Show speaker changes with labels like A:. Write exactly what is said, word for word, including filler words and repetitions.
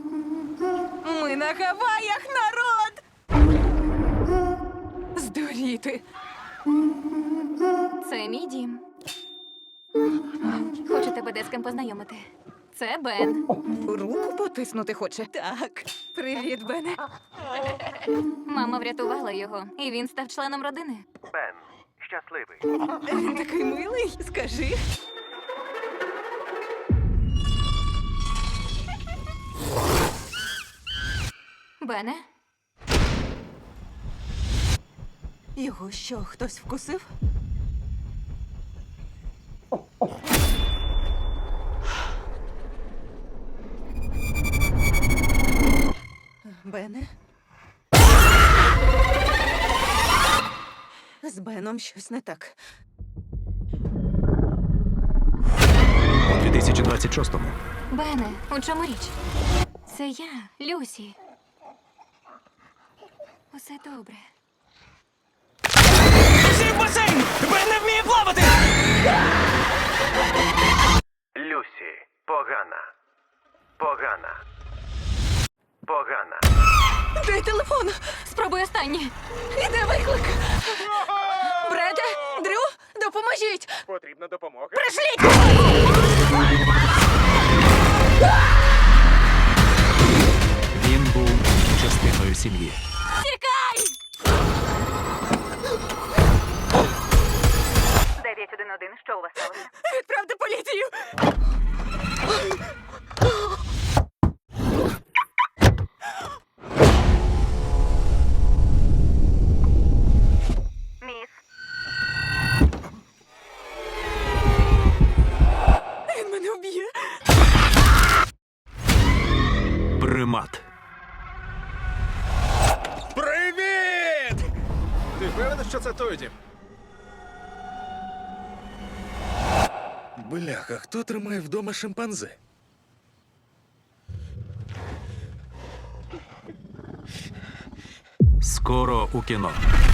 A: Ми на Гаваях, народ! Здуріти.
B: Це мій дім. Хочу тебе де з ким познайомити. Це Бен.
A: Руку потиснути хоче. Так. Привіт, Бене.
B: Мама врятувала його, і він став членом родини.
C: Бен, щасливий.
A: Він такий милий. Скажи.
B: Бене?
A: Його що, хтось вкусив? Бене? З Беном щось не так.
D: У дві тисячі двадцять шостому
B: Бене, у чому річ? Це я, Люсі. Усе добре.
E: Всі в басейн! Бен не вміє плавати!
C: Люсі, погана. Погана. Погана.
A: Дай телефон!
B: Спробуй останнє.
A: Іде виклик! Бреде! Дрю! Допоможіть!
C: Потрібна допомога.
D: він був частиною сім'ї.
B: Тікай! дев'ять один один, що у вас сталося?
A: Відправте поліцію!
B: Міс.
A: Він мене вб'є!
D: Примат.
F: Привіт! Ти впевнений, що це той дім? Бляха, хто тримає вдома шимпанзе?
D: Скоро у кіно.